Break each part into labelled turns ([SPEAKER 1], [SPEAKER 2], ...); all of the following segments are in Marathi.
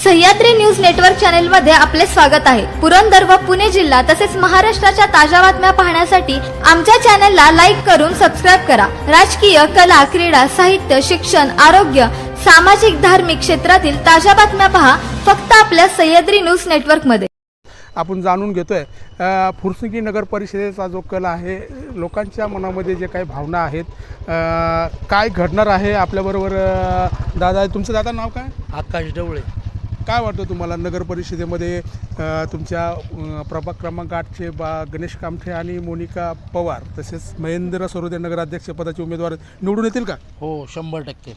[SPEAKER 1] सह्याद्री न्यूज नेटवर्क चॅनल मध्ये आपले स्वागत आहे। पुरंदर व पुणे जिल्हा तसेच महाराष्ट्राच्या ताज्या बातम्या पाहण्यासाठी आमच्या चॅनलला लाईक करून सबस्क्राइब करा। राजकीय, कला, क्रीडा, साहित्य, शिक्षण, आरोग्य, सामाजिक, धार्मिक क्षेत्रातील ताज्या बातम्या पहा फक्त आपल्या सह्याद्री न्यूज नेटवर्क मध्ये।
[SPEAKER 2] आपण जाणून घेतोय फुरसुंगी नगर परिषदेचा जो कल आहे, लोकांच्या मनामध्ये जे काही भावना आहेत, काय घडणार आहे आपल्याबरोबर दादा। तुमचं दादा नाव काय?
[SPEAKER 3] आकाश ढवळे।
[SPEAKER 2] काय वाटतं तुम्हाला नगर परिषदेमध्ये तुमच्या प्रभाग क्रमांक 8चे गणेश कामठे आणि मोनिका पवार तसेच महेंद्र सरोदे नगराध्यक्ष पदाचे उमेदवार निवडून येतील का?
[SPEAKER 3] हो, 100%।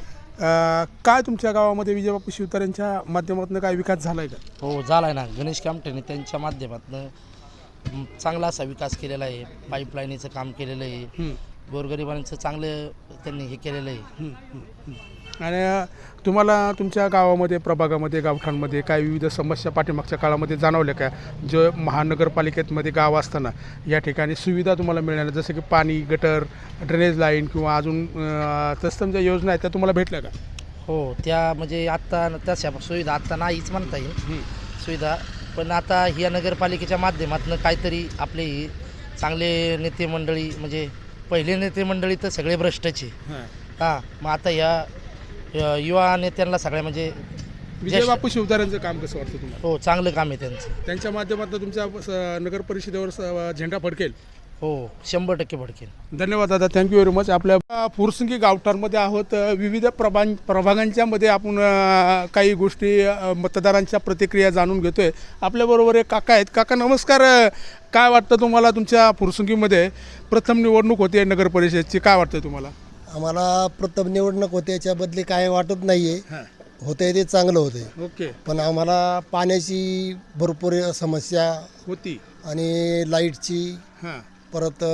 [SPEAKER 2] काय तुमच्या गावामध्ये विजयबापू शिवतारेंच्या माध्यमातून काय विकास झालाय का?
[SPEAKER 3] हो, झालाय ना। गणेश कामठेने त्यांच्या माध्यमातून चांगला असा विकास केलेला आहे। पाईपलाईनीचं काम केलेलं आहे, गोरगरिबांचं चांगलं त्यांनी हे केलेलं आहे।
[SPEAKER 2] आणि तुम्हाला तुमच्या गावामध्ये, प्रभागामध्ये, गावठांमध्ये काय विविध समस्या पाठीमागच्या काळामध्ये जाणवल्या का? जो महानगरपालिकेमध्ये गाव असताना या ठिकाणी सुविधा तुम्हाला मिळणार, जसं की पाणी, गटर, ड्रेनेज लाईन किंवा अजून तत्सम ज्या योजना आहेत त्या तुम्हाला भेटल्या का?
[SPEAKER 3] हो, त्या म्हणजे आत्ता तशा सुविधा आत्ता नाहीच म्हणता येईल सुविधा, पण आता ह्या नगरपालिकेच्या माध्यमातून काहीतरी आपले चांगले नेते मंडळी, म्हणजे पहिले नेते मंडळी तर सगळे भ्रष्टाचे, हां, मग आता ह्या युवा नेत्यांना सगळ्या म्हणजे
[SPEAKER 2] विजयबापू शिवतारेंचं काम कसं वाटतं तुम्हाला?
[SPEAKER 3] हो, चांगलं काम आहे त्यांचं।
[SPEAKER 2] त्यांच्या माध्यमातून तुमच्या नगर परिषदेवर झेंडा फडकेल?
[SPEAKER 3] हो, 100% फडकेल।
[SPEAKER 2] धन्यवाद दादा, थँक्यू व्हेरी मच। आपल्या फुरसुंगी गावठाणमध्ये आहोत, विविध प्रभागांच्या मध्ये आपण काही गोष्टी, मतदारांच्या प्रतिक्रिया जाणून घेतोय। आपल्याबरोबर एक काका आहेत। काका नमस्कार। काय वाटतं तुम्हाला, तुमच्या फुरसुंगीमध्ये प्रथम निवडणूक होते नगर परिषदेची, काय वाटतं तुम्हाला?
[SPEAKER 4] आम्हाला प्रथम निवडणूक होते, याच्याबदली काय वाटत नाही आहे। होते ते चांगलं होते,
[SPEAKER 2] ओके,
[SPEAKER 4] पण आम्हाला पाण्याची भरपूर समस्या
[SPEAKER 2] होती
[SPEAKER 4] आणि लाईटची,
[SPEAKER 2] हां,
[SPEAKER 4] परत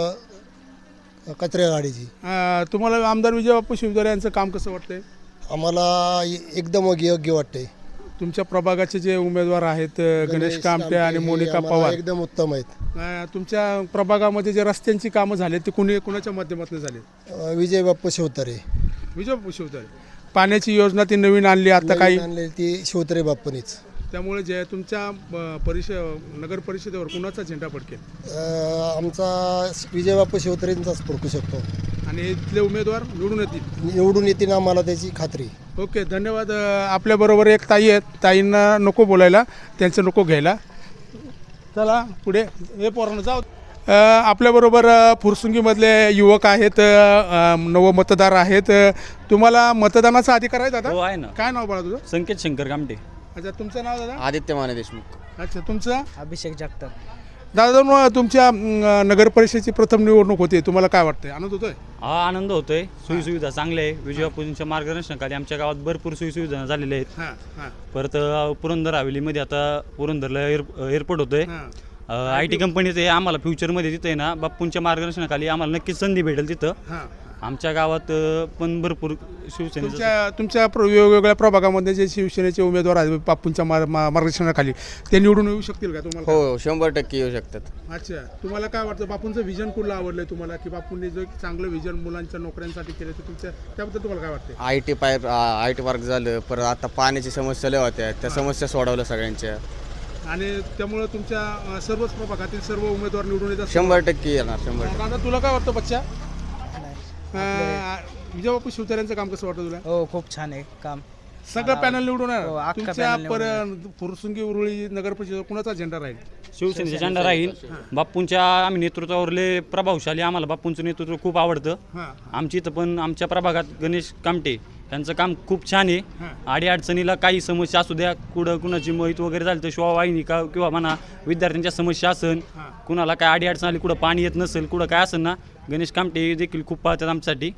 [SPEAKER 4] कचऱ्या गाडीची।
[SPEAKER 2] तुम्हाला आमदार विजयबापू शिवतारे यांचं काम कसं वाटतंय?
[SPEAKER 4] आम्हाला एकदम योग्य वाटते।
[SPEAKER 2] तुमच्या प्रभागाचे जे उमेदवार आहेत गणेश कामटे आणि मोनिका पवार
[SPEAKER 4] एकदम उत्तम आहेत।
[SPEAKER 2] तुमच्या प्रभागामध्ये जे रस्त्यांची कामं झाले ते कुणाच्या माध्यमातून झाले?
[SPEAKER 4] विजयबापू शिवतारे।
[SPEAKER 2] विजयबापू शिवतारे। पाण्याची योजना ती नवीन आणली आता काही
[SPEAKER 4] आणलेली ती शिवतारे बाप्पानीच।
[SPEAKER 2] त्यामुळे जे तुमच्या नगर परिषदेवर कुणाचा झेंडा फडकेल?
[SPEAKER 4] आमचा विजयबापू शिवतारेंचाच फडकू शकतो
[SPEAKER 2] आणि इथले उमेदवार
[SPEAKER 4] निवडून येतील, आम्हाला त्याची खात्री।
[SPEAKER 2] ओके, धन्यवाद। आपल्याबरोबर एक ताई आहेत, ताईंना नको बोलायला, त्यांचं नको घ्यायला, चला पुढे हे पोरांना जाऊ। आपल्याबरोबर फुरसुंगीमधले युवक आहेत, नवमतदार आहेत। तुम्हाला मतदानाचा अधिकार आहे दादा?
[SPEAKER 5] हो, आहे ना।
[SPEAKER 2] काय नाव बाळा तुझं?
[SPEAKER 5] संकेत शंकर कामटे।
[SPEAKER 2] अच्छा, तुमचं नाव दादा?
[SPEAKER 6] आदित्य माने देशमुख।
[SPEAKER 2] अच्छा, तुमचं?
[SPEAKER 3] अभिषेक जगताप।
[SPEAKER 2] दादा, तुमच्या नगर परिषदेची प्रथम निवडणूक होती, तुम्हाला काय वाटतंय? आनंद होतोय?
[SPEAKER 5] हा, आनंद होतोय। सोयीसुविधा चांगल्या आहे। विजयबापूंच्या मार्गदर्शनाखाली आमच्या गावात भरपूर सोयीसुविधा झालेल्या आहेत। परत पुरंदर हवेलीमध्ये आता पुरंदरला एअरपोर्ट होतोय। IT कंपनीचं आहे, आम्हाला फ्युचरमध्ये तिथे आहे ना, बापूंच्या मार्गदर्शनाखाली आम्हाला नक्कीच संधी भेटेल तिथं। आमच्या गावात पण भरपूर शिवसेनेच्या
[SPEAKER 2] तुमच्या वेगवेगळ्या प्रभागामध्ये जे शिवसेनेचे उमेदवार आहेत बापूंच्या मार्गदर्शनाखाली, ते निवडून येऊ शकतील का तुम्हाला?
[SPEAKER 6] हो, 100% येऊ शकतात।
[SPEAKER 2] अच्छा, तुम्हाला काय वाटतं, बापूंचं विजन कुठलं आवडलंय तुम्हाला, की बापूंनी जो चांगलं विजन मुलांच्या नोकऱ्यांसाठी केलं ते त्याबद्दल तुम्हाला काय वाटतं?
[SPEAKER 6] IT पार्क झालं, परत आता पाण्याची समस्या लय होत्या, त्या समस्या सोडवल्या सगळ्यांच्या,
[SPEAKER 2] आणि त्यामुळे तुमच्या सर्वच प्रभागातील सर्व उमेदवार निवडून येतात?
[SPEAKER 6] 100% येणार, 100%।
[SPEAKER 2] दादा, तुला काय वाटतं बच्चा? विजयबापू शिवतारेंचं काम कसं वाटतं तुला?
[SPEAKER 3] हो, खूप छान आहे काम।
[SPEAKER 2] सगळं पॅनल निवडून
[SPEAKER 3] हो,
[SPEAKER 2] आहे
[SPEAKER 3] अख्खा
[SPEAKER 2] तुमच्या
[SPEAKER 3] पॅनल
[SPEAKER 2] फुरसुंगी उरुळी नगर परिषद कुणाचा झेंडा राहील?
[SPEAKER 5] शिवसेनेचा झेंडा राहील। बापूंच्या आम्ही नेतृत्वावरले प्रभावशाली, आम्हाला बापूंचं नेतृत्व खूप आवडतं। आमची इथं पण आमच्या प्रभागात गणेश कामटे यांचं काम खूप छान आहे। अडीअडचणीला काही समस्या असू द्या, कुणाची मोहित वगैरे झाली तर शिवावाहिनी का किंवा म्हणा विद्यार्थ्यांच्या समस्या असेल, कुणाला काय अडीअडचण आली, कुठं पाणी येत नसेल, कुठं काय असेल ना, गणेश कामटे देखील खूप पाहतात आमच्यासाठी।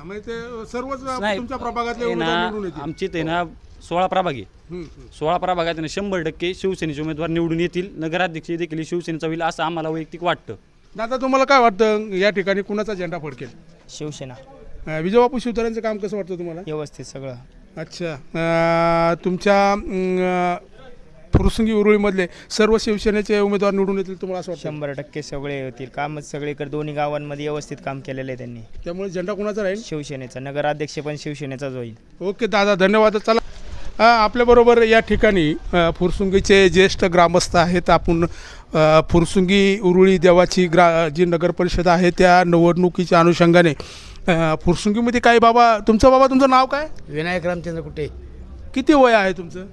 [SPEAKER 5] आमची इथे ना 16 प्रभाग आहे। 16 प्रभागात 100% शिवसेनेचे उमेदवार निवडून येतील। नगराध्यक्ष देखील शिवसेनेचा होईल असं आम्हाला वैयक्तिक वाटतं।
[SPEAKER 2] दादा, तुम्हाला काय वाटतं, या ठिकाणी कुणाचा झेंडा फडकेल?
[SPEAKER 3] शिवसेना।
[SPEAKER 2] विजयबापू शिवतारेंचं काम कसं वाटतं तुम्हाला?
[SPEAKER 3] व्यवस्थित सगळं।
[SPEAKER 2] अच्छा, तुमच्या फुरसुंगी उरुळीमधले सर्व शिवसेनेचे उमेदवार निवडून येतील तुम्हाला असं वाटतं?
[SPEAKER 3] 100% सगळे होतील। कामच सगळीकडे दोन्ही गावांमध्ये व्यवस्थित काम केलेलं आहे त्यांनी,
[SPEAKER 2] त्यामुळे झेंडा कोणाचा राहील?
[SPEAKER 3] शिवसेनेचा। नगराध्यक्ष पण शिवसेनेचाच होईल।
[SPEAKER 2] ओके दादा, धन्यवाद। चला, आपल्याबरोबर या ठिकाणी फुरसुंगीचे ज्येष्ठ ग्रामस्थ आहेत. आपण फुरसुंगी उरुळी देवाची जी नगर परिषद आहे त्या निवडणुकीच्या अनुषंगाने फुरसुंगीमध्ये काय तुमचं नाव काय?
[SPEAKER 7] विनायक रामचंद्र कुठे?
[SPEAKER 2] किती वय आहे तुमचं?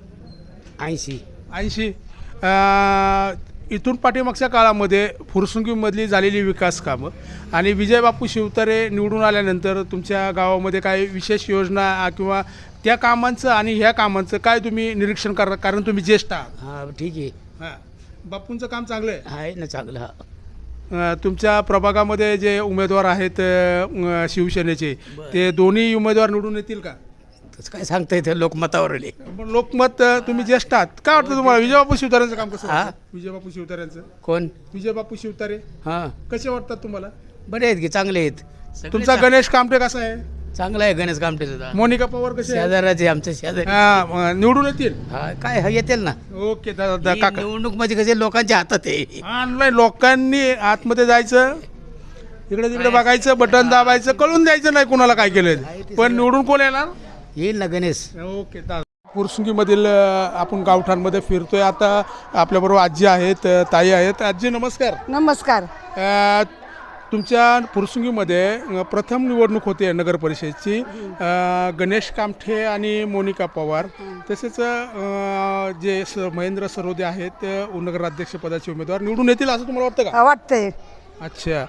[SPEAKER 7] 80.
[SPEAKER 2] इथून पाठीमागच्या काळामध्ये फुरसुंगीमधली झालेली विकास कामं आणि विजयबापू शिवतारे निवडून आल्यानंतर तुमच्या गावामध्ये काही विशेष योजना किंवा त्या कामांचं आणि ह्या कामांचं काय तुम्ही निरीक्षण करता, कारण तुम्ही ज्येष्ठ आहात?
[SPEAKER 7] हा ठीक आहे.
[SPEAKER 2] हां, बापूंचं काम चांगलं आहे.
[SPEAKER 7] आहे ना चांगलं. हा
[SPEAKER 2] तुमच्या प्रभागामध्ये जे उमेदवार आहेत शिवसेनेचे, ते दोन्ही उमेदवार निवडून येतील का?
[SPEAKER 7] तसं काय सांगता येतं, लोकमतावर आले.
[SPEAKER 2] पण लोकमत तुम्ही ज्येष्ठ आहात, काय वाटतं तुम्हाला विजयबापू शिवतारेंचं काम कसं वाटतं? विजयबापू शिवतारेंचं
[SPEAKER 7] कोण?
[SPEAKER 2] विजयबापू शिवतारे
[SPEAKER 7] हां
[SPEAKER 2] कसे वाटतात तुम्हाला?
[SPEAKER 7] बरे आहेत की, चांगले आहेत.
[SPEAKER 2] तुमचा गणेश कामटे कसा आहे?
[SPEAKER 7] चांगला आहे गणेश कामटेचा.
[SPEAKER 2] मोनिका पवार कसे आहे?
[SPEAKER 7] शेजाराचे आमचे शेजारी.
[SPEAKER 2] निवडून येतील?
[SPEAKER 7] हा काय येतील ना.
[SPEAKER 2] ओके
[SPEAKER 7] ही
[SPEAKER 2] काका.
[SPEAKER 7] निवडणूक म्हणजे कसे लोकांच्या हातात आहे.
[SPEAKER 2] ऑनलाईन लोकांनी आतमध्ये जायचं, इकडे तिकडे बघायचं, बटन दाबायचं, कळून द्यायचं नाही कुणाला काय केलं, पण निवडून कोण येणार?
[SPEAKER 7] येईल ना गणेश.
[SPEAKER 2] ओके फुरसुंगीमधील आपण गावठाणमध्ये फिरतोय. आता आपल्याबरोबर आजी आहेत, ताई आहेत. आजी नमस्कार.
[SPEAKER 8] नमस्कार.
[SPEAKER 2] तुमच्या फुरसुंगीमध्ये प्रथम निवडणूक होते नगर परिषदेची. गणेश कामठे आणि मोनिका पवार, तसेच जे महेंद्र सरोदे आहेत नगराध्यक्षपदाचे उमेदवार निवडून येतील असं तुम्हाला वाटतं का?
[SPEAKER 8] वाटतंय.
[SPEAKER 2] अच्छा,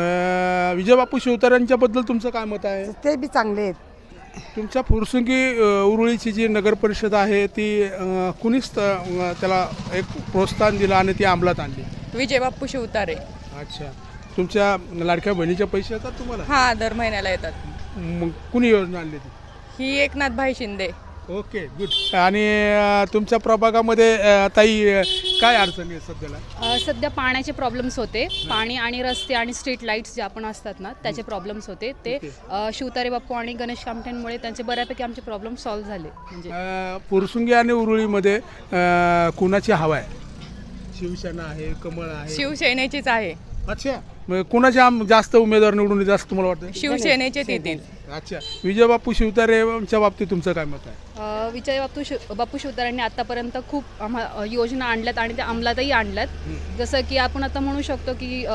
[SPEAKER 2] विजयबापू शिवतारेंच्याबद्दल तुमचं काय मत आहे?
[SPEAKER 8] ते बी चांगले आहेत.
[SPEAKER 2] तुमच्या फुरसुंगी उरुळीची जी नगर परिषद आहे ती कुणीच त्याला एक प्रोत्साहन दिलं आणि ती अंमलात आणली?
[SPEAKER 9] विजयबापू शिवतारे.
[SPEAKER 2] अच्छा, तुमच्या लाडक्या बहिणीचे पैसे येतात तुम्हाला?
[SPEAKER 9] हा, दर महिन्याला येतात.
[SPEAKER 2] मग कुणी योजना आणली ती?
[SPEAKER 9] ही एकनाथ भाई शिंदे.
[SPEAKER 2] Okay, good. आणि तुमच्या प्रभागामध्ये ताई काय अडचणी आहेत सध्याला?
[SPEAKER 10] सध्या पाण्याचे प्रॉब्लेम्स होते. पाणी आणि रस्ते आणि स्ट्रीट लाईट्स जे आपण असतात ना त्याचे प्रॉब्लेम्स होते. ते शिवतारे बाप्पू आणि गणेश कामठ्यांमुळे त्यांचे बऱ्यापैकी आमचे प्रॉब्लेम सॉल्व्ह झाले. म्हणजे
[SPEAKER 2] फुरसुंगी आणि उरुळीमध्ये कुणाची हवा आहे? शिवसेना आहे, कमळ आहे?
[SPEAKER 9] शिवसेनेचीच आहे.
[SPEAKER 2] अच्छा, मग कुणाचे जास्त उमेदवार निवडून येतील असं तुम्हाला वाटतं?
[SPEAKER 9] शिवसेनेचेच येतील.
[SPEAKER 2] अच्छा, विजयबापू शिवतारेच्या बाबतीत तुमचं काय मत आहे?
[SPEAKER 10] बापू शिवतारेंनी आतापर्यंत खूप योजना आणल्यात आणि त्या अंमलातही आणल्यात. जसं की आपण आता म्हणू शकतो की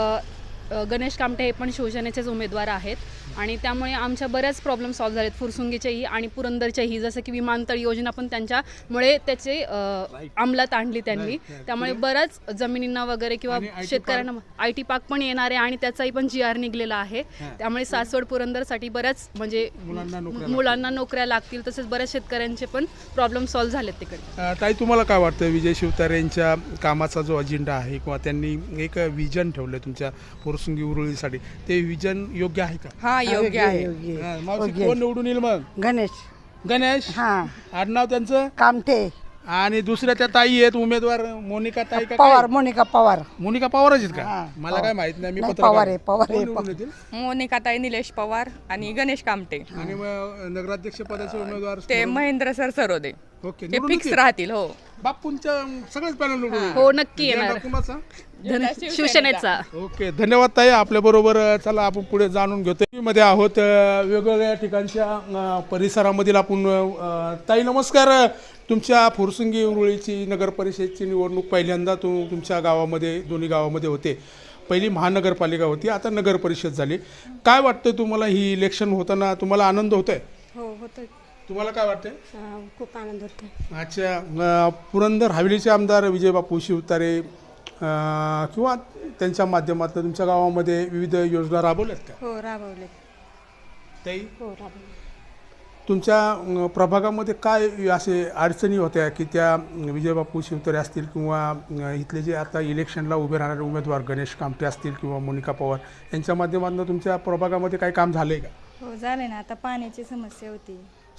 [SPEAKER 10] गणेश कामटे हे पण शिवसेनेचेच उमेदवार आहेत आणि त्यामुळे आमच्या बऱ्याच प्रॉब्लेम सॉल्व्ह झालेत, फुरसुंगीचेही आणि पुरंदरचेही. जसं की विमानतळ योजना पण त्यांच्यामुळे त्याचे अंमलात आणली त्यांनी. त्यामुळे बऱ्याच जमिनींना वगैरे किंवा शेतकऱ्यांना IT पार्क पण येणार आहे आणि त्याचाही पण GR निघलेला आहे. त्यामुळे सासवड पुरंदरसाठी बऱ्याच म्हणजे मुलांना नोकऱ्या लागतील. तसेच बऱ्याच शेतकऱ्यांचे पण प्रॉब्लेम सॉल्व्ह झालेत तिकडे.
[SPEAKER 2] ताई, तुम्हाला काय वाटतं विजय शिवतारेंच्या कामाचा जो अजेंडा आहे किंवा त्यांनी एक विजन ठेवलं तुमच्या फुरसुंगी उरुळीसाठी, ते विजन योग्य आहे का?
[SPEAKER 9] हा, योग्य आहे.
[SPEAKER 2] मावशी, कोण निवडून येईल मग? गणेश.
[SPEAKER 8] हा,
[SPEAKER 2] आडनाव त्यांचं
[SPEAKER 8] कामठे.
[SPEAKER 2] आणि दुसऱ्या त्या ताई आहेत उमेदवार, मोनिका ताई का
[SPEAKER 8] पवार.
[SPEAKER 2] काय?
[SPEAKER 8] मोनिका पवार.
[SPEAKER 2] मोनिका पवारच आहेत का?
[SPEAKER 8] हा,
[SPEAKER 2] मला काय माहित नाही, मी
[SPEAKER 8] नाही,
[SPEAKER 2] पत्रकार
[SPEAKER 8] पवार आहे, पवार
[SPEAKER 2] कोण
[SPEAKER 8] आहे.
[SPEAKER 2] निवडून येतील?
[SPEAKER 9] मोनिकाताई निलेश पवार आणि गणेश कामटे.
[SPEAKER 2] आणि मग नगराध्यक्ष पदाचे उमेदवार
[SPEAKER 9] ते महेंद्र सरोदे.
[SPEAKER 2] ओके,
[SPEAKER 9] ते
[SPEAKER 2] निवडून
[SPEAKER 9] फिक्स
[SPEAKER 2] येतील?
[SPEAKER 9] राहतील. हो,
[SPEAKER 2] बापूंच्या सगळेच पॅनल निवडून येतील?
[SPEAKER 10] हो, नक्की
[SPEAKER 2] झेंडा
[SPEAKER 10] येणार.
[SPEAKER 2] कुणाचा?
[SPEAKER 10] शिवसेनेचा.
[SPEAKER 2] ओके, धन्यवाद ताई. आपल्याबरोबर चला आपण पुढे जाणून घेतो. मध्ये आहोत वेगवेगळ्या ठिकाणच्या परिसरामधील आपण. ताई नमस्कार. तुमच्या फुरसुंगी उरुळीची नगर परिषदेची निवडणूक पहिल्यांदा तुमच्या गावामध्ये, दोन्ही गावामध्ये होते. पहिली महानगरपालिका होती, आता नगर परिषद झाली. काय वाटतं तुम्हाला, ही इलेक्शन होताना तुम्हाला आनंद होतोय?
[SPEAKER 8] हो, होतं.
[SPEAKER 2] तुम्हाला काय वाटतंय?
[SPEAKER 8] खूप आनंद होतो.
[SPEAKER 2] अच्छा, पुरंदर हवेलीचे आमदार विजयबापू शिवतारे किंवा त्यांच्या माध्यमातून तुमच्या गावामध्ये विविध योजना राबवल्यात का?
[SPEAKER 8] हो, राबवले.
[SPEAKER 2] ताई,
[SPEAKER 8] हो, राबवले.
[SPEAKER 2] तुमच्या प्रभागामध्ये काय असे अडचणी होत्या की त्या विजयबापू शिवतारे असतील किंवा इथले जे आता इलेक्शनला उभे राहणारे उमेदवार गणेश कामटे असतील किंवा मोनिका पवार यांच्या माध्यमातून तुमच्या प्रभागामध्ये काही काम झालं आहे का?
[SPEAKER 8] हो, झाले ना. आता पाण्याची समस्या होती.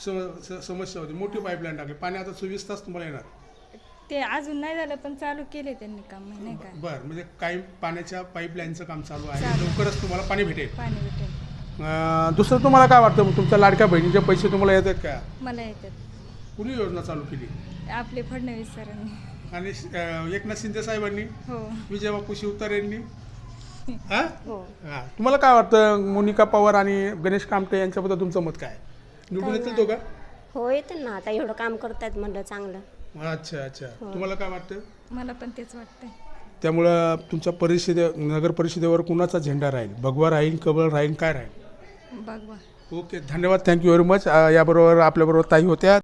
[SPEAKER 2] समस्या होती, मोठी पाईपलाईन टाकली, पाणी आता 24 तास तुम्हाला येणार?
[SPEAKER 8] ते अजून नाही झालं पण चालू केले त्यांनी काम, नाही का?
[SPEAKER 2] बरं, म्हणजे काही पाण्याच्या पाईपलाईनचं काम चालू आहे, लवकरच तुम्हाला पाणी भेटेल.
[SPEAKER 8] पाणी भेटेल.
[SPEAKER 2] दुसरं तुम्हाला काय वाटतं, मग तुमच्या लाडक्या बहिणीचे पैसे तुम्हाला येतात का?
[SPEAKER 8] मला येतात.
[SPEAKER 2] कुणी योजना चालू केली?
[SPEAKER 8] आपले फडणवीस सरांनी
[SPEAKER 2] आणि एकनाथ शिंदे साहेबांनी,
[SPEAKER 8] हो,
[SPEAKER 2] विजयबापू शिवतारेंनी. हां,
[SPEAKER 8] हो.
[SPEAKER 2] हां, तुम्हाला काय वाटतं मोनिका पवार आणि गणेश कामटे यांच्याबद्दल तुमचं मत काय? निवडून येतील तो का?
[SPEAKER 11] हो येते ना, आता एवढं काम करतायत म्हणलं चांगलं.
[SPEAKER 2] अच्छा अच्छा, तुम्हाला काय वाटतं?
[SPEAKER 8] मला पण तेच वाटतंय.
[SPEAKER 2] त्यामुळं तुमच्या नगर परिषदेवर कुणाचा झेंडा राहील? भगवा राहील, कमळ राहील, काय राहील?
[SPEAKER 8] बघवा.
[SPEAKER 2] ओके, धन्यवाद, थँक्यू व्हेरी मच. याबरोबर आपल्याबरोबर ताई होत्या.